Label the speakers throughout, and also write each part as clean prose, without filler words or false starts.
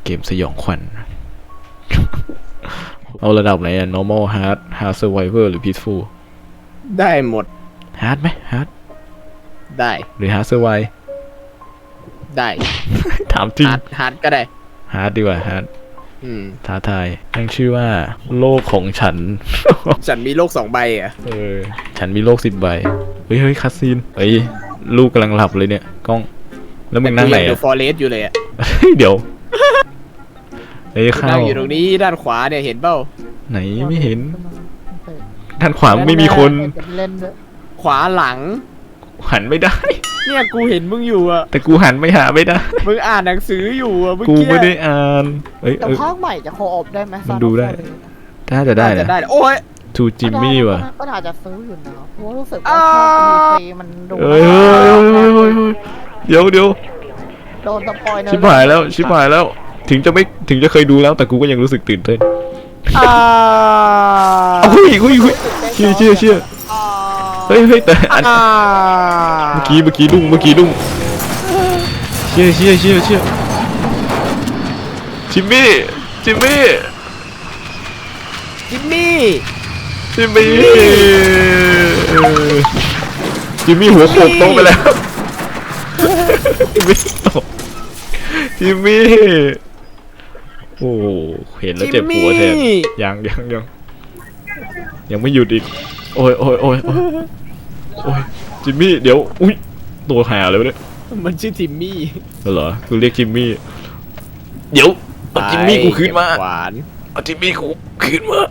Speaker 1: เกมสยองขวัญ เอาระดับไหนอะ normal hard survivor หรือ peaceful
Speaker 2: ได้หมด
Speaker 1: hard ไหม hard
Speaker 2: ได้
Speaker 1: หรือ hard survive
Speaker 2: ได้
Speaker 1: ถามจริง
Speaker 2: ฮาร์ดก็ได้
Speaker 1: hard ดีกว่า hard ท้าทายตั้งชื่อว่าโลกของฉัน
Speaker 2: ฉันมีโลก2 ใบอ่ะ
Speaker 1: ฉันมีโลก10 ใบเฮ้ยคัสซีนเฮ้ยลูกกำลังหลับเลยเนี่ยกล้องแล้วมึงนั่งไหน
Speaker 2: เด
Speaker 1: อะ
Speaker 2: อะฟอเรสต์อยู่เลยอ่ะ
Speaker 1: เดี๋ยวเฮ้ยข้า
Speaker 2: นั่
Speaker 1: ว
Speaker 2: งอยู่ตรงนี้ด้านขวาเนี่ยเห็นเปล่า
Speaker 1: ไหนไม่เห็นด้านขวาไม่มีคน
Speaker 3: เล่นด้วย
Speaker 2: ขวาหลัง
Speaker 1: หันไม่ได้
Speaker 2: เนี่ยกูเห็นมึงอยู่อ่ะ
Speaker 1: แต่กูหันไม่หาไม่ได้
Speaker 2: มึงอ่านหนังสืออยู่อ่ะเมื่อ
Speaker 1: กู
Speaker 2: กี้
Speaker 1: ไม่ได้อ่านเอ้ย
Speaker 3: แต่ภาคใหม่จะโคออฟได้ไหม
Speaker 1: มันดูได้ ถ้าจะได้
Speaker 2: จะ
Speaker 1: นะ
Speaker 2: ได้โอ้ย
Speaker 1: ทูจิมมี่ว่ะ
Speaker 3: ก็อาจจะซื้ออยู่นะเพราะว่ารู้สึกว่าภาคดีมันดู
Speaker 1: เฮ้ยเดี๋ยว
Speaker 3: โดนสปอยเนอร์
Speaker 1: ชิบหายแล้วถึงจะเคยดูแล้วแต่กูก็ยังรู้สึกตื่นเต้น เฮ้ยเชื่อเฮ้ยแต่อันเมื่อกี้ดุ้งเชื่อจิมมี่จิมมี่หัวโขกโต๊ะไปแล้วจิมมี่โอ้เห็นแล้วเจ็บหัวแทนยังไม่หยุดอีกโอ้ยจิมมี่เดี๋ยวอุ้ยตัวหาเลยวะเนี่ย
Speaker 2: มันชื่อทิมมี่
Speaker 1: เหรอกูเรียกจิมมี่เดี๋ยวเอาจิมมี่กูคืนมา
Speaker 2: ขวาน
Speaker 1: เอาจิมมี่กูคืนมา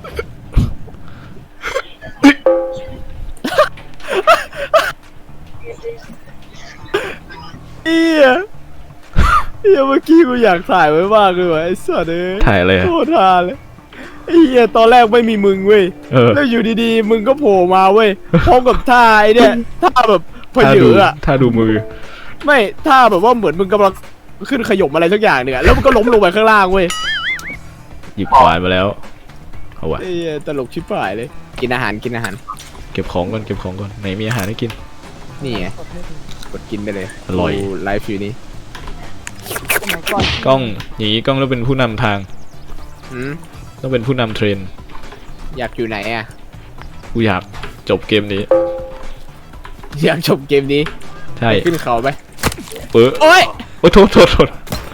Speaker 2: เมื่อกี้กูอยากถ่ายไว้มากเลยว่ะไอ้สัตว์เอ้ย
Speaker 1: ถ่ายอะไรอะ
Speaker 2: โคตรฮาเลยไอ้เหี้ยตอนแรกไม่มีมึงเว้ยแล้วอยู่ดีๆมึงก็โผล่มาเว้ยพร้อมกับท่าไอ้เนี่ยท่าแบบพเยออะ
Speaker 1: ถ้าดูมือ
Speaker 2: ไม่ท่าแบบว่าเหมือนมึงกำลังขึ้นขยมอะไรสักอย่างหนึ่งอะแล้วมันก็ล้มลงไปข้างล่างเว้ย
Speaker 1: หยิบขวานมาแล้วเอาวะ
Speaker 2: ไอ้เหี้ยตลกชิบหายเลยกินอาหาร
Speaker 1: เก็บของก่อนไหนมีอาหารให้กิน
Speaker 2: นี่ไงกดกินไปเลย
Speaker 1: อร่อย
Speaker 2: ดูไลฟ์อยู่นี่
Speaker 3: สมัยก่อน
Speaker 1: กล้องอย่างนี้กล้องต้องเป็นผู้นำทาง
Speaker 2: อืม
Speaker 1: ต้องเป็นผู้นำเทรน
Speaker 2: อยากอยู่ไหนอะ
Speaker 1: กูอยากจบเกมนี้
Speaker 2: อยากจบเกมนี้
Speaker 1: ใช่
Speaker 2: ขึ้นเขาไป
Speaker 1: เปื้อ
Speaker 2: โอ้ย
Speaker 1: โอ้โทษโคตร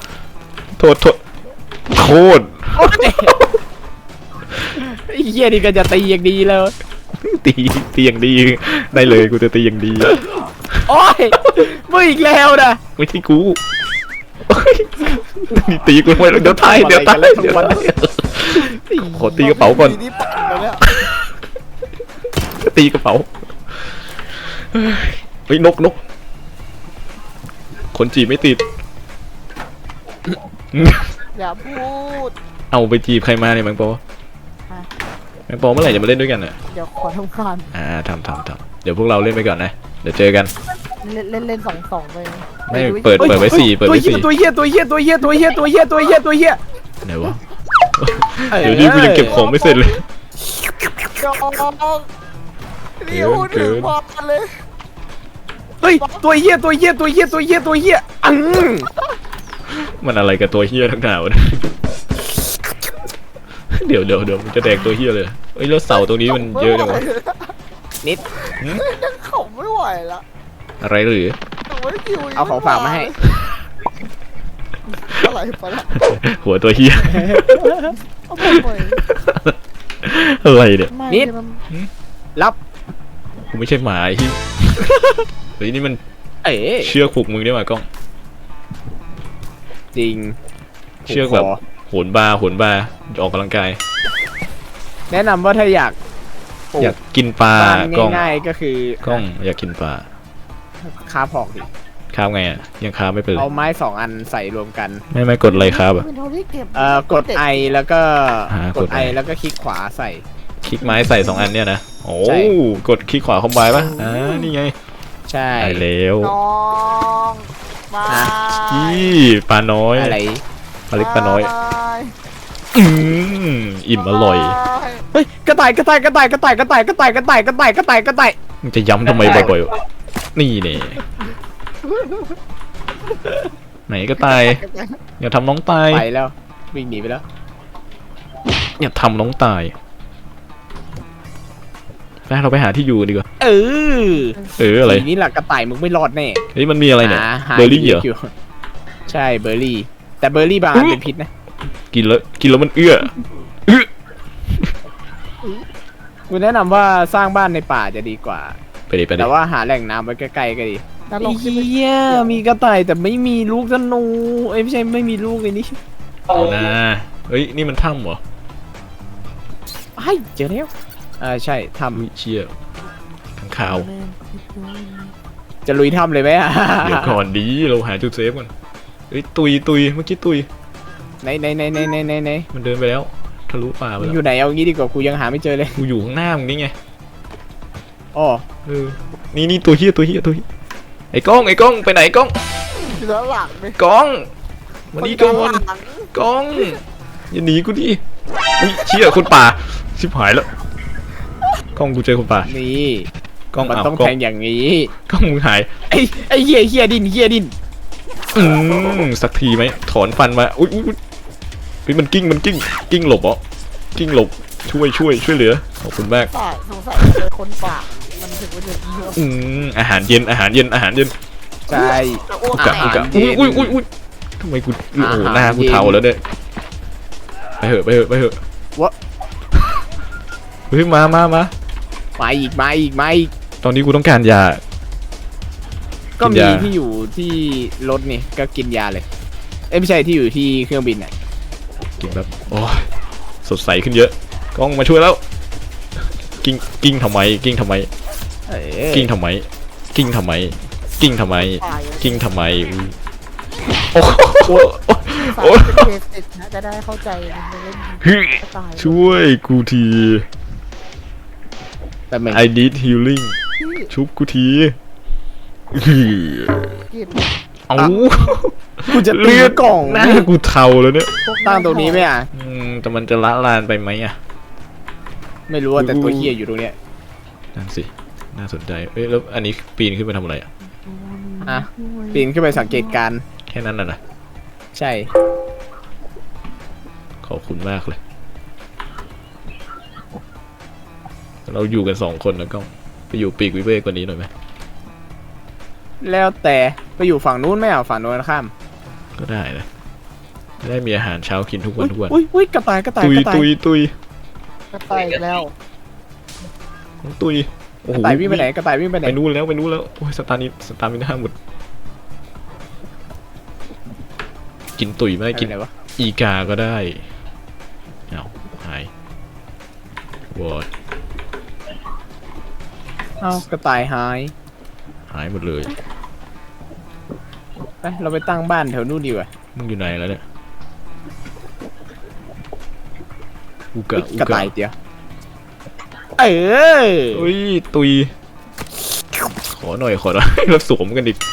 Speaker 2: ไอ้เหี้ยนี่ก็จะตีอย่างดีแล้ว
Speaker 1: ตีอย่างดีได้เลยกูจะตีอย่างดี
Speaker 2: โอ้ยมึงอีกแล้วนะ
Speaker 1: ไม่ใช่กูนี่ตีกูไม่เดี๋ยวตายขอตีกระเป๋าก่อน
Speaker 3: นี่ปั่นไปแล้ว
Speaker 1: ตีกระเป๋าเฮ้ยนกคนจีบไม่ติด
Speaker 3: อย่าพูด
Speaker 1: เอาไปจีบใครมาเนี่ยแมงปอเมื่อไหร่จะมาเล่นด้วยกันอ่ะ
Speaker 3: เดี๋ยวขอทำการ
Speaker 1: ทำเดี๋ยวพวกเราเล่นไปก่อนนะเดี๋ยวเจอกัน
Speaker 3: เล่น2ไป
Speaker 1: ไม่เปิดไว้4
Speaker 2: ตัวเหี้ย
Speaker 1: ไหนวะเดี๋ยวนี้กูยังเก็บของไม่เสร็จเลย
Speaker 3: จองนี่พูดถึงพอกันเลย
Speaker 2: เฮ้ยตัวเหี้ย
Speaker 1: มันอะไรกับตัวเฮียทั้งหนาวะเดี๋ยวมันจะแดกตัวเฮียเลยเอ้ยแล้วเสาตรงนี้มันเยอะจังวะ
Speaker 2: นิด
Speaker 3: เขาไม่ไหวละ
Speaker 1: อะไรหรือ
Speaker 2: เอาของฝากมาให้
Speaker 3: อะไรไปละ
Speaker 1: หัวตัวเฮีย
Speaker 3: เอาไป
Speaker 1: อะไรเนี่ย
Speaker 2: นิด รับ
Speaker 1: กูไม่ใช่หมาไอ้ที่เฮ้ยนี่มัน
Speaker 2: เอ๋
Speaker 1: เชือกผูกมือได้ไหมกล้อง
Speaker 2: จริง
Speaker 1: เชือกแบบโหนบาร์ออกกำลังกาย
Speaker 2: แนะนำว่าถ้าอยาก
Speaker 1: อยากกินปลา
Speaker 2: บ้าน
Speaker 1: กล้อง
Speaker 2: ง่ายๆก็คือก
Speaker 1: ล้องอยากกินปลา
Speaker 2: คาบหอกดิ
Speaker 1: ข้าวไงอ่ะยังข้าวไม่เป็นเล
Speaker 2: เอา
Speaker 1: ย
Speaker 2: ไม้2 อันใส่รวมกัน
Speaker 1: ไม่กดอะไรครับอ่ะ
Speaker 2: กดไอแล้วก็
Speaker 1: กด
Speaker 2: ไอ
Speaker 1: I
Speaker 2: แล้วก็คลิกขวาใส่
Speaker 1: คลิกไม้ใส่2 อันเนี่ยนะโอ้
Speaker 2: ใช่
Speaker 1: กดคลิกขวาคอมไบปะนี่ไง
Speaker 2: ใช่
Speaker 1: ได้แล้ว
Speaker 3: น้องบาย
Speaker 1: ปลาน้อย
Speaker 2: อะไร
Speaker 1: ปลาเล็กปลาน้อย
Speaker 3: บาย
Speaker 1: อิ่มอร่อย
Speaker 2: เฮ้ยกระต่าย
Speaker 1: มึงจะย้ำทำไมบ่อยๆนี่เนี่ยไหนก็ตายอย่าทำน้องตาย
Speaker 2: ไปแล้ววิ่งหนีไปแล้ว
Speaker 1: อย่าทำน้องตายไปเราไปหาที่อยู่ดีกว่า
Speaker 2: เออ
Speaker 1: อะไร
Speaker 2: ทีนี้หลักกระต่ายมึงไม่รอดแน่
Speaker 1: เฮ้ยมันมีอะไรเนี่ย
Speaker 2: หา
Speaker 1: เบอร์รี่เหรอ
Speaker 2: ยู่ใช่เบอร์รี่ แต่เบอร์รี่บางอันเป็นพิษนะ
Speaker 1: กินแล้วมันเอื้อ
Speaker 2: กูแนะนำว่าสร้างบ้านในป่าจะดีกว่า
Speaker 1: ไปดิ
Speaker 2: แต่ว่าหาแหล่งน้ำไว้ใกล้ๆก็ดี
Speaker 3: แล้ว
Speaker 2: ไอ้
Speaker 3: ลงขึ้นไป
Speaker 2: เหี้ยมีกระต่ายแต่ไม่มีลูกธนูเอ้ยไม่ใช่ไม่มีลูกไอ้นี่
Speaker 1: นะเฮ้ยนี่มันถ้ำเหรอ
Speaker 2: ไอ้เจอแล้วใช่ท
Speaker 1: อุ้ยเชี่ยข้างข่าว
Speaker 2: ำจะลุยถ้ำเลยไหมอะ
Speaker 1: เดี๋ยวก่อนดีเราหาจุดเซฟก่อนเฮ้ยตุยเมื่อกี้ตุย
Speaker 2: ไหน
Speaker 1: มันเดินไปแล้วทะลุป่าไป
Speaker 2: มึง
Speaker 1: แล้ว
Speaker 2: อยู่ไหนเอางี้ดีกว่ากูยังหาไม่เจอเลย
Speaker 1: กูอยู่ข้างหน้ามึงนี่ไง
Speaker 2: อ๋อ
Speaker 1: เออนี่ตัวเฮียไอ้กล้องไปไหนกล้อง
Speaker 3: อยู่ด้านหลังเลย
Speaker 1: กล้องมานี่ก่อน
Speaker 3: ด้านหลัง
Speaker 1: กล้องอย่าหนีกูดิอุ้ยเชี่ยคนป่าชิบหายแล้วกล้องกูเจอคนป่า
Speaker 2: นี่
Speaker 1: กล้อง
Speaker 2: มัน
Speaker 1: เอา
Speaker 2: ต้อง
Speaker 1: กล้
Speaker 2: แท
Speaker 1: อง
Speaker 2: งอย่างนี้
Speaker 1: กล้องมึงหาย
Speaker 2: ไอ้เหี้ยดิน
Speaker 1: สักทีไหมถอนฟันมาอุ้ยเฮ้ยมันกิ้งหลบเหรอกิ้งหลบช่วยเหลือขอบคุณมาก
Speaker 3: สงสัยเจอคนป่ามันถึงว่าจะเยอะ
Speaker 1: อาหารเย็น
Speaker 2: ใช่
Speaker 3: อ้วก
Speaker 1: กะ
Speaker 3: แตก
Speaker 1: อุ้ยทำไมกูโอ้โหหน้ากูเทาแล้วเนี่ยไปเหอะ
Speaker 2: วะ
Speaker 1: เฮ้ยมา
Speaker 2: มาอีก
Speaker 1: ตอนนี้กูต้องการยา
Speaker 2: ก็
Speaker 1: กิน
Speaker 2: มี
Speaker 1: ยา
Speaker 2: ที่อยู่ที่รถนี่ก็กินยาเลยเอ้ยไม่ใช่ที่อยู่ที่เครื่องบินน่ะ
Speaker 1: กินแบบโอ้ยสดใสขึ้นเยอะกล้องมาช่วยแล้วกิ้งทำไม
Speaker 2: เออ
Speaker 1: กิ้งทำไมอุ้ยโอ้โห
Speaker 3: สายเป็นเบสิกนะจะได้เข้าใจมันเล่น
Speaker 1: เฮ้ย
Speaker 3: ตาย
Speaker 1: ช่วยกูที
Speaker 2: แต่เหมือน
Speaker 1: I need healing ชุบกูที
Speaker 3: กิน
Speaker 1: เอา
Speaker 2: กูจะเลือกกล่อง
Speaker 1: หน้ากูเทาแล้วเนี่ย
Speaker 2: ตั้งตรงนี้ไหมอ่ะ
Speaker 1: แต่มันจะละลานไปไหมอ่ะ
Speaker 2: ไม่รู้ว่าแต่ตัวเฮียอยู่ตรงเนี้ย
Speaker 1: นั่นสิน่าสนใจเอ้ยแล้วอันนี้ปีนขึ้นไปทำอะไรอ่ะ
Speaker 2: อ่ะปีนขึ้นไปสังเกตการณ์
Speaker 1: แค่นั้นน่ะนะ
Speaker 2: ใช่
Speaker 1: ขอบคุณมากเลย เราอยู่กัน2 คนนะก้องไปอยู่ปีกวิเวกกว่านี้หน่อยไหม
Speaker 2: แล้วแต่ไปอยู่ฝั่งนู้นไหมอ่ะฝั่งนู้นข้าม
Speaker 1: ก็ได้นะจะได้มีอาหารเช้ากินทุกวัน
Speaker 2: อุ้ยกระต่าย
Speaker 1: ตุย
Speaker 3: ก็ตายอีกแล้ว
Speaker 1: ตุยโอ้
Speaker 2: ก
Speaker 1: โห
Speaker 2: ระต่ายวิ่งไปไหนกระต่ายวิ่งไปไหน
Speaker 1: ไปนู่นแล้วโอ้ยสตาร์มิน่าหมดกินตุยไม่ได้กิน
Speaker 2: อะไรวะ
Speaker 1: อีกาก็ได้เอาหายวอด
Speaker 2: เอ้ากระต่ายหาย
Speaker 1: หายหมดเลย
Speaker 2: ไปเราไปตั้งบ้านแถวนู้นดีกว่า
Speaker 1: มึงอยู่ไหนแล้วเนี่ยอุ
Speaker 2: ก
Speaker 1: กะ
Speaker 2: ระต่ายเดียวเออ
Speaker 1: เฮ้ยตุยขอหน่อย แล้วสวมกันดิ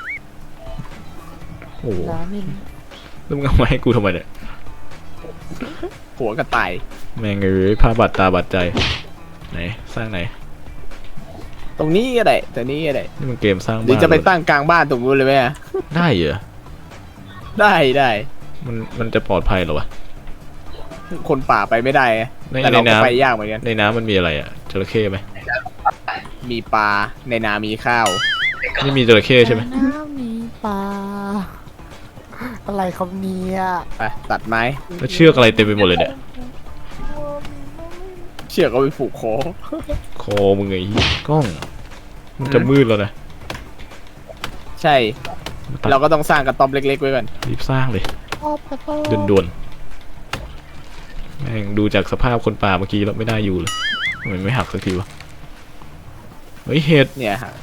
Speaker 1: โอ้โห
Speaker 3: ร้ามิน
Speaker 1: แล้วมึงเอามาให้กูทำไมเนี่ย
Speaker 2: หัวกระต่าย
Speaker 1: แม่งเอ้ยผ้าบาดตาบาดใจไหนสร้างไหน
Speaker 2: ตรงนี้ก็ได้ตัวนี้ก็ได้
Speaker 1: นี่มันเกมสร้าง
Speaker 2: หรือ
Speaker 1: บ้าน
Speaker 2: จะไปตั้งกลางบ้านตรงนู้นเลยไหมอะ
Speaker 1: ได้เหรอ
Speaker 2: ได้
Speaker 1: มันจะปลอดภัยเหรอวะ
Speaker 2: คนป่าไปไม่ได้อะ
Speaker 1: ใน
Speaker 2: แต่เราก็
Speaker 1: น้ำ
Speaker 2: ไปยากเหมือนกัน
Speaker 1: ในน้ำมันมีอะไรอ่ะจระเข้ไหม
Speaker 2: มีปลาในนามีข้าว
Speaker 1: นี่มีจระเข้ใช่ไหม
Speaker 3: น้ำมีปลาอะไรครับเนี่ย
Speaker 2: ไปตัดไม้
Speaker 1: แล้วเชือกอะไรเต็มไปหมดเลยเนี่ย
Speaker 2: เชือกเอาไปผูกคอ
Speaker 1: คอมึงไงกล้องมันจะมืดแล้วนะ
Speaker 2: ใช่ เราก็ต้องสร้างกระต๊อบเล็กๆไว้ก่อน
Speaker 1: รีบสร้างเลย
Speaker 3: ชอบกระโต้
Speaker 1: ด่วนๆแม่งดูจากสภาพคนป่าเมื่อกี้แล้วไม่ได้อยู่เลยทำไมไม่หักสักทีวะเฮ้ยเห็ด
Speaker 2: เนี่ยฮะ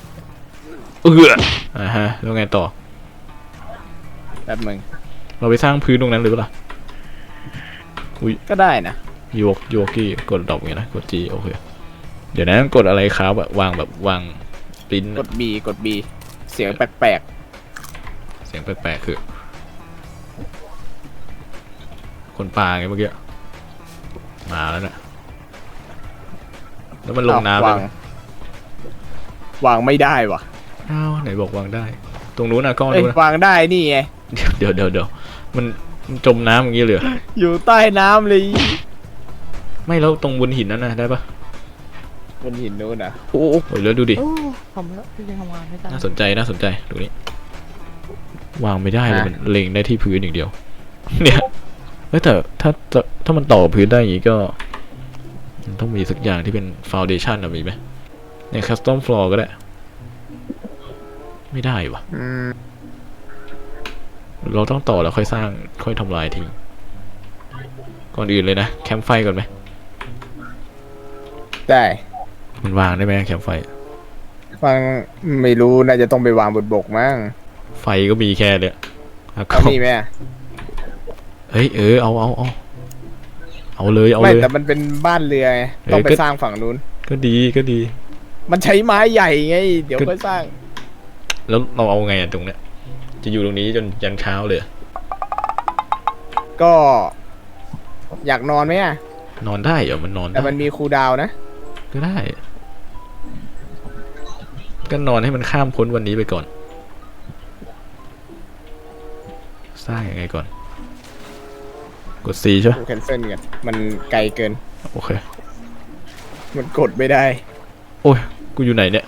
Speaker 1: ฮะแล้วไงต่อ
Speaker 2: แป๊บมึง
Speaker 1: เราไปสร้างพื้นตรงนั้นเลยเปะล่า
Speaker 2: ก็ได้นะ
Speaker 1: โยกี้กดดอกอย่างนี้นะกด G โอเคเดี๋ยวนะกดอะไรครับแบบวางปริ้น
Speaker 2: กด B เสียงแปลก
Speaker 1: เสียงแปลกๆคือ คนป่าไงเมื่อกี้มาแล้วน่ะแล้วมัน
Speaker 2: ๆ
Speaker 1: ลงน้ำ
Speaker 2: วาง
Speaker 1: ไหม
Speaker 2: วางไม่ได้ว่ะ
Speaker 1: อ้าวไหนบอกวางได้ตรงนู้นนะกล้อง
Speaker 2: เอ้ย
Speaker 1: นู้นนะ
Speaker 2: วางได้นี่ไง
Speaker 1: เดี๋ยวมันจมน้ำอย่างงี้เลยเหรอ
Speaker 2: อยู่ใต้น้ำเลย
Speaker 1: ไม่แล้วตรงบนหินนั่นนะได้ปะ
Speaker 2: บนหินนู้นอ่ะ
Speaker 1: โอ้โหแล้วดูดิ
Speaker 3: โอ้ทำแล้วพี่ยังทำงานไม่ได้
Speaker 1: น่าสนใจดูนี่วางไม่ได้เลยมันเล็งได้ที่พื้นอย่างเดียว เนี่ยเฮ้ยแต่ถ้ามันต่อพื้นได้อย่างงี้ก็มันต้องมีสักอย่างที่เป็นฟาวเดชั่นอะมีไหมเนี่ยคัสตอมฟลอร์ก็ได้ไม่ได้วะ
Speaker 2: อืม
Speaker 1: เราต้องต่อแล้วค่อยสร้างค่อยทำลายทิ้งก่อนอื่นเลยนะแคมป์ไฟก่อนไหม
Speaker 2: ได้
Speaker 1: มันวางได้ไหมแคมป์ไฟ
Speaker 2: ฟังไม่รู้น่าจะต้องไปวางบนบกมั้ง
Speaker 1: ไฟก็มีแค่เนี่ยอ่ะ
Speaker 2: เอานี่ไหมอะ
Speaker 1: เฮ้ยเอาเลย
Speaker 2: ไม่แต่มันเป็นบ้านเรือไงต้องไปสร้างฝั่งนู้น
Speaker 1: ก็ดี
Speaker 2: มันใช้ไม้ใหญ่ไง เดี๋ยวค่อยสร้าง
Speaker 1: แล้วเราเอาไงอะตรงเนี้ยจะอยู่ตรงนี้จนยันเช้าเลย
Speaker 2: ก็อยากนอนไหมอ่ะ
Speaker 1: นอนได้เหรอมันนอน
Speaker 2: แต่
Speaker 1: ได้
Speaker 2: มันมีคูลดาวน์นะ
Speaker 1: ก็ได้ ก็นอนให้มันข้ามพ้นวันนี้ไปก่อน สร้างยังไงก่อน กด C ใช่ไหม
Speaker 2: กูแคนเซิลกันมันไกลเกิน
Speaker 1: โอเค
Speaker 2: มันกดไม่ได้
Speaker 1: โอ้ยกูอยู่ไหนเนี่ย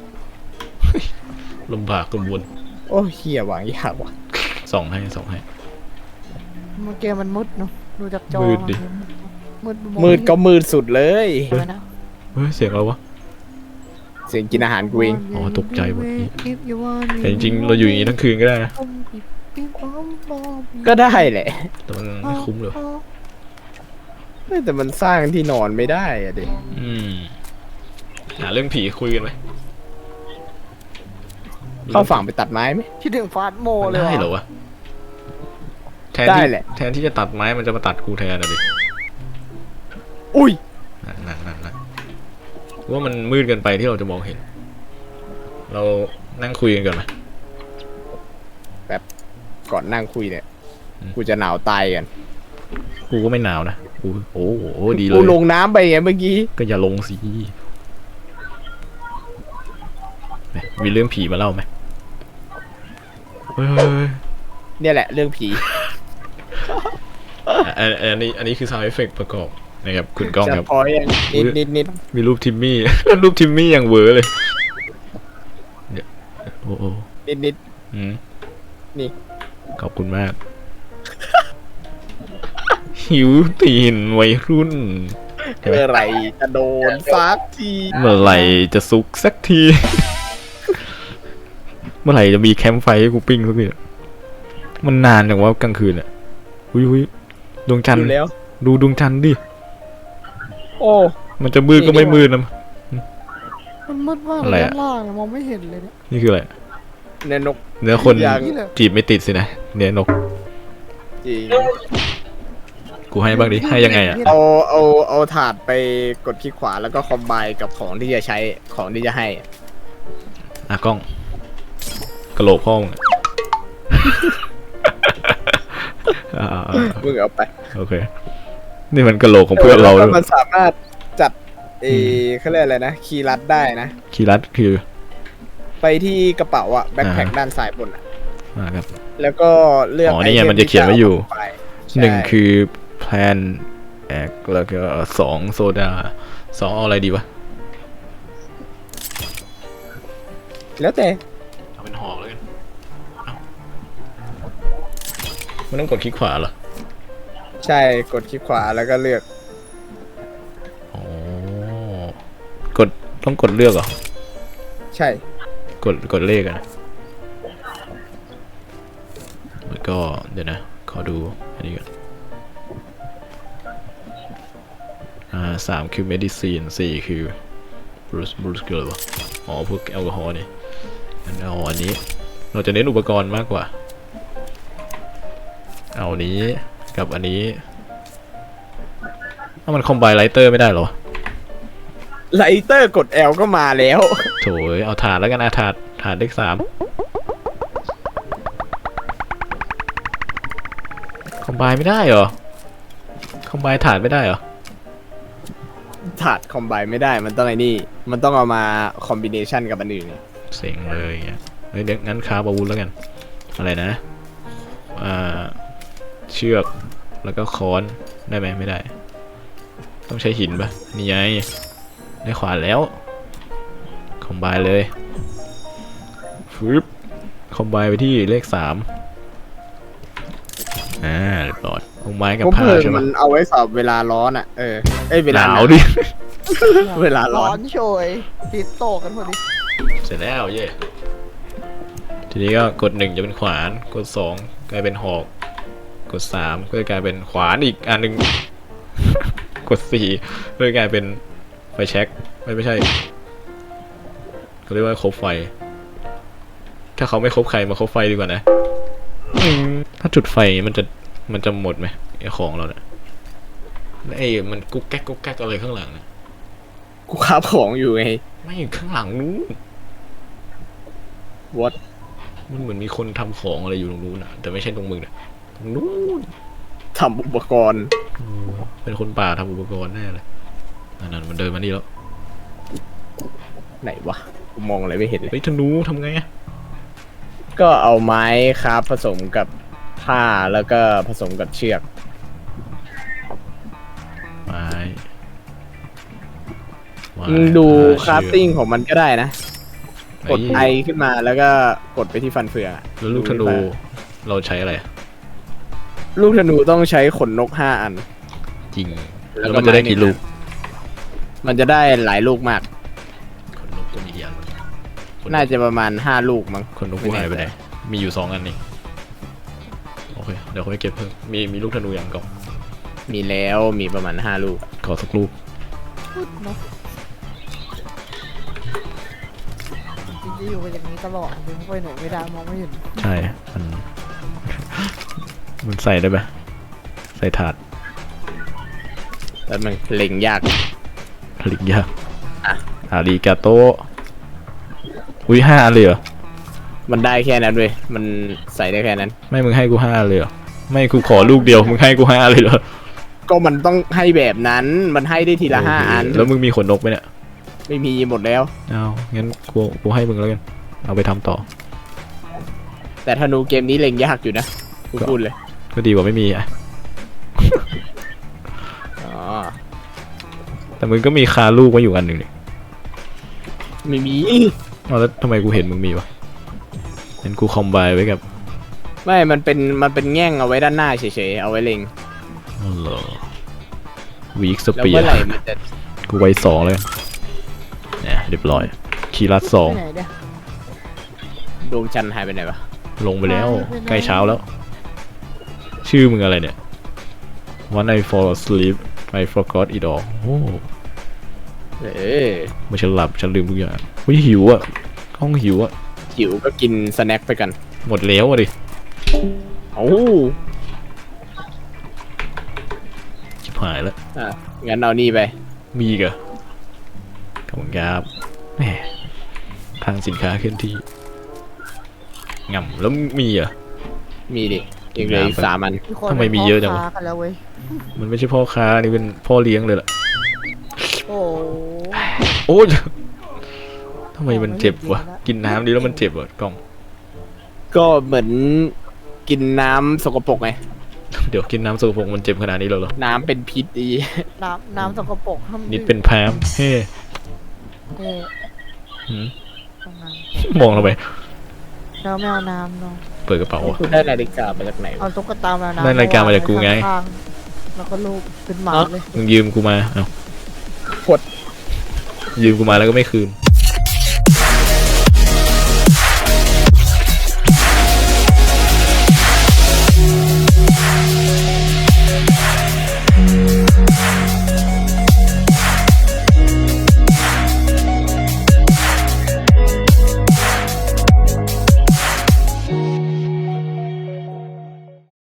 Speaker 1: ลำบากกังวล
Speaker 2: โอ้เฮียวางยากว่ะ
Speaker 1: ส่องให้
Speaker 3: เมื่อกี้มันมืดเนาะดูจากจอ
Speaker 1: มืดดิ
Speaker 3: มืด
Speaker 2: มืดก็มืดสุดเลย
Speaker 3: ใช่ไหมนะ
Speaker 1: เฮ้ยเสียงอะไรวะ
Speaker 2: เสียงกินอาหารกูเอง
Speaker 1: อ๋อตกใจหมดนี่ แต่จริงๆเราอยู่อย่างนี้ทั้งคืนก็ได้นะ
Speaker 2: ก็ได้แหละ
Speaker 1: แต่มันไม่คุ้มเลย
Speaker 2: แต่มันสร้างที่นอนไม่ได้อะดิ
Speaker 1: หาเรื่องผีคุยกันไหม
Speaker 2: เข้าฝั่งไปตัดไม้ไหม
Speaker 3: คิดถึงฟาสโม
Speaker 1: มัน
Speaker 3: เลย
Speaker 1: ได้เหรอ
Speaker 3: ว่ะ
Speaker 1: วะแทน
Speaker 2: ได้
Speaker 1: ที่
Speaker 2: แหละ
Speaker 1: แทนที่จะตัดไม้มันจะมาตัดกูแทนอะดิ
Speaker 2: อุ้ย
Speaker 1: นั่นว่ามันมืดเกินไปที่เราจะมองเห็น เรานั่งคุยกันก่อนไหม
Speaker 2: ก่อนนั่งคุยเนี่ย
Speaker 1: อืม
Speaker 2: กูจะหนาวตายกัน
Speaker 1: กูก็ไม่หนาวนะกูโอ้โหดีเล
Speaker 2: กู
Speaker 1: ย
Speaker 2: ลงน้ำไปไงเมื่อกี้
Speaker 1: ก็อย่าลงสิมีเรื่องผีมาเล่าไหมเฮ้ย
Speaker 2: เนี่ยแหละเรื่องผี
Speaker 1: อันนี้คือ sound effect ประกอบนะครับคุณก้อง
Speaker 2: จะ
Speaker 1: ครับ
Speaker 2: พอยังนิด
Speaker 1: มีรูปทิมมี่ รูปทิมมี่อย่างเวอร์เลยเดี๋ยวโอ้โห
Speaker 2: นิด
Speaker 1: อืม
Speaker 2: นี่
Speaker 1: ขอบคุณมาก หิวตีนวัยรุ่น
Speaker 2: เมื่อไหรจะโดนซักที
Speaker 1: เมื่อไหร่จะสุกสักที เมื่อไหร่จะมีแคมป์ไฟให้กูปิ้งสักทีมันนานอย่างว่ากลางคืนอ่ะหุยดวงจันท
Speaker 2: ดู
Speaker 1: ร์
Speaker 2: แล้ว
Speaker 1: ดูดวงจันทร์ดิ
Speaker 2: โอ้
Speaker 1: มันจะมืดก็ไม่มืดนะ
Speaker 3: มันมืดมาก
Speaker 1: อะไร
Speaker 3: เลย
Speaker 1: อะ
Speaker 3: ด้านล่างอะมองไม่เห็นเลยเนี่ย
Speaker 1: นี่คืออะไร
Speaker 2: เนี่ยนก
Speaker 1: เนื้อคน
Speaker 2: อย่าง
Speaker 1: จีบไม่ติดสินะ เนื้อนก
Speaker 2: จริง
Speaker 1: กูให้บ้างดิ ให้ยังไงอ่ะ
Speaker 2: เอาถาดไปกดคลิกขวาแล้วก็คอมไบกับของที่จะใช้ของที่จะให้
Speaker 1: อ่ะกล้องกระโหลกพ่อมึงอะ อ่า
Speaker 2: มึงเอาไป
Speaker 1: โอเค นี่มันกระโหลกของเพื่อนเรา
Speaker 2: แล้
Speaker 1: ด้
Speaker 2: ว
Speaker 1: วย
Speaker 2: มันสามารถจัดเขาเรียกอะไรนะคีย์ลัดได้นะ
Speaker 1: คีย์ลัดคือ
Speaker 2: ไปที่กระเป๋าอะแบ็คแพ็คด้านซ้ายบนอะ
Speaker 1: ครับ
Speaker 2: แล้วก็เลือก
Speaker 1: อ๋อนี่ไง
Speaker 2: อท
Speaker 1: มันจะเขียนไว้อยู่
Speaker 2: ที่จะเาไป
Speaker 1: หนึ่ง
Speaker 2: ใช่
Speaker 1: คือแพลนแอกแล้วก็สองโซดาสองเอาอะไรดีวะ
Speaker 2: แล้วแต่
Speaker 1: เอาเป็นห่อแล้วกันมันต้องกดคลิกขวาเหรอ
Speaker 2: ใช่กดคลิกขวาแล้วก็เลือก
Speaker 1: อ๋อกดต้องกดเลือกเหรอ
Speaker 2: ใช่
Speaker 1: กดเลขอะนะแล้วก็เดี๋ยวนะ ขอดูอันนี้ก่อน3คือ medicine 4คือ Bruce เกิร์ลวะอ๋อพวกแอลกอฮอล์นี่งั้นเอาอันนี้ เราจะเน้นอุปกรณ์มากกว่า เอาอันนี้กับอันนี้ถ้ามันคอมไบไลเตอร์ไม่ได้เหรอ
Speaker 2: ไลเตอร์กด L ก็มาแล้ว
Speaker 1: โถยเอาถาดแล้วกันถาดเลข3คอมไบไม่ได้เหรอ คอมไบถาดไม่ได้เหรอ
Speaker 2: ถาดคอมไบไม่ได้มันต้องไอ้นี่ มันต้องเอามาคอมบิเนชันกับอันอื่นไง
Speaker 1: เซ็งเลยอย่างเงี้ยฮ้ยเดี๋ยวงั้นคราฟอาวุธแล้วกันอะไรนะเชือกแล้วก็ค้อนได้ไหมไม่ได้ ต้องใช้หินปะนี่ไงได้ขวานแล้วคอมไบเลยฟึบคอมไบไปที่เลข3เรียบร้อยเอาไม้กับ
Speaker 2: ผม
Speaker 1: ผ้า
Speaker 2: เพิ่ม
Speaker 1: ใช่ไหม
Speaker 2: มันเอาไว้สอบเวลาร้อนอ่ะเอ้ยเว
Speaker 1: ห
Speaker 2: ลาน
Speaker 1: าวดิ
Speaker 2: เวลาร้
Speaker 3: ร้
Speaker 2: อ
Speaker 3: อน นโชยติดโตกันพอดี
Speaker 1: เสร็จแล้วเย่ทีนี้ก็กด1จะเป็นขวานกด2กลายเป็นหอกกด3ก็จะกลายเป็นขวานอีกอันหนึ่ง กด4ก็จะกลายเป็นไฟแช็กไม่ใช่เขาเรียกว่าคบไฟ ถ้าเขาไม่คบใครมาคบไฟดีกว่านะถ้าจุดไฟมันจะหมดไหมไอของเราเนี่ยไอ้มันกุ๊กแก๊กกุ๊กแก๊กอะไรข้างหลังนะ
Speaker 2: กูคาบของอยู่ไง
Speaker 1: ไม่ข้างหลังนู้น
Speaker 2: วัด
Speaker 1: มันเหมือนมีคนทำของอะไรอยู่ตรงนู้นนะแต่ไม่ใช่ตรงมึงนะตรงนู้น
Speaker 2: ทำอุปกรณ์
Speaker 1: เป็นคนป่าทำอุปกรณ์แน่เลยนั่นมันเดินมานี่แล้ว
Speaker 2: ไหนวะกูมองอะไรไม่เห็นเลย
Speaker 1: เฮ้ยธนูทำไงอะ
Speaker 2: ก็เอาไม้คราฟผสมกับผ้าแล้วก็ผสมกับเชือก
Speaker 1: ไม้ไม้
Speaker 2: มึงดู
Speaker 1: ผ้
Speaker 2: คราฟติ้งของมันก็ได้นะ
Speaker 1: เชื
Speaker 2: กดไอขึ้นมาแล้วก็กดไปที่ฟันเฟืองอะ
Speaker 1: แล้วลูกธนูเราใช้อะไรอะ
Speaker 2: ลูกธนูต้องใช้ขนนก5 อัน
Speaker 1: จริง
Speaker 2: แล้
Speaker 1: แล้ว
Speaker 2: วก็
Speaker 1: มันจะได้
Speaker 2: ไม้หนึ่ง
Speaker 1: กี่ลูก
Speaker 2: มันจะได้หลายลูกมาก
Speaker 1: คนนกก็มีกี่อันวะคนนก
Speaker 2: น่าจะประมาณ5 ลูกมั้ง
Speaker 1: คนนกกูหายไปไหนมีอยู่2 อันนี่โอเคเดี๋ยวค่อยเก็บเพิ่มมีลูกธนูอย่างก่อน
Speaker 2: มีแล้วมีประมาณ5 ลูก
Speaker 1: ขอสักลูก
Speaker 3: พูดเนาะจริงๆจะอยู่กันอย่างนี้ตลอดถึงไปไหนไม่ได้มองไม่เห็น
Speaker 1: ใช่มัน มันใส่ได้ไหมใส่ถาด
Speaker 2: แล้วมันเล็งยาก
Speaker 1: ผลิตยาก
Speaker 2: อ่ะ
Speaker 1: อาริกาโตอุ้ย5 อันเลยเหรอ
Speaker 2: มันได้แค่นั้นเว้ยมันใส่ได้แค่นั้น
Speaker 1: ไม่มึงให้กู5เลยเหรอไม่กูขอลูกเดียวมึงให้กู5เลยเหรอ
Speaker 2: ก็มันต้องให้แบบนั้นมันให้ได้ทีละ5 อัน
Speaker 1: แล้วมึงมีขนนกไหมเนี่ย
Speaker 2: ไม่มีหมดแล้ว
Speaker 1: เอางั้นกูให้มึงแล้วกันเอาไปทำต่อ
Speaker 2: แต่ธนูเกมนี้เล็งยากอยู่นะกูพูดเลย
Speaker 1: ก็ดีกว่าไม่มีอ่ะ
Speaker 2: อ๋อ
Speaker 1: แต่มึงก็มีคาลูกไว้อยู่อันหนึ่งนี่
Speaker 2: ไม่มี
Speaker 1: เอาแล้วทำไมกูเห็นมึงมีวะเห็นกูคอมไบไว้กับ
Speaker 2: ไม่มันเป็นแง่งเอาไว้ด้านหน้าเฉยๆเอาไว้เล็ง
Speaker 1: อ๋อเหรอวีคส
Speaker 2: แล้ว
Speaker 1: เปีย
Speaker 2: เมื่อไหร่มันจะ
Speaker 1: กูไว้2เลยเนี่ยเรียบร้อยคีรัส
Speaker 3: ไปไหนเนี่ย
Speaker 2: ดวงจันทร์หายไปไหนวะ
Speaker 1: 2ลงไปแล้ว
Speaker 3: ไปไหน
Speaker 1: ใกล้เช้าแล้ว ชื่อมึงอะไรเนี่ย When I fall asleep I forgot it all โอ้ เมื่อฉันหลับฉันลืมทุกอย่างเฮ้ยหิวอ่ะกล้องหิวอ่ะ
Speaker 2: หิวก็กินสแน็คไปกัน
Speaker 1: หมดแล้วอ่ะดิ
Speaker 2: โอ้
Speaker 1: ชิบหายแล้ว
Speaker 2: งั้นเอานี่ไป
Speaker 1: มีอีกเหรอขอบคุณครับแหมทางสินค้าเคลื่อนที่ง่ำแล้วมีเหรอ่ะ
Speaker 2: มีดิยังเหลืออีก3 อัน
Speaker 3: คน
Speaker 1: ทำไมมีเยอะจังวะ
Speaker 3: พ่ค้ากันแล้วเว้ย
Speaker 1: มันไม่ใช่พ่อค้านี่เป็นพ่อเลี้ยงเลยล่ะ
Speaker 3: โอ้
Speaker 1: โอ้ยทำไมมันเจ็บวะกินน้ำดีแล้วมันเจ็บวะกล้อง
Speaker 2: ก็เหมือนกินน้ำสกปรกไง
Speaker 1: เดี๋ยวกินน้ำสกปรกมันเจ็บขนาดนี้เลยเหรอ
Speaker 2: น้ำเป็นพิษดี
Speaker 3: น้ำสกปรกห้าม
Speaker 1: นิดเป็นแพมเฮ้
Speaker 3: เอ๊ะ
Speaker 1: หืม
Speaker 3: ต้องน้
Speaker 1: มองเราไป
Speaker 3: ำเราไม่เอาน้ำเนาะ
Speaker 1: เปิดกระเป๋า
Speaker 2: ให้
Speaker 1: วะ
Speaker 2: คุณได้นาฬิกามาจากไหนวะ
Speaker 3: เอาตุ๊กตามาน้ำ
Speaker 1: ได้นาฬิกามาจากกูไง
Speaker 3: ข้างๆแล้วก็ลูกเป็นหมาเลย
Speaker 1: มึงยืมกูมาเอ้า
Speaker 2: โคตร
Speaker 1: ยืมกูมาแล้วก็ไม่คืน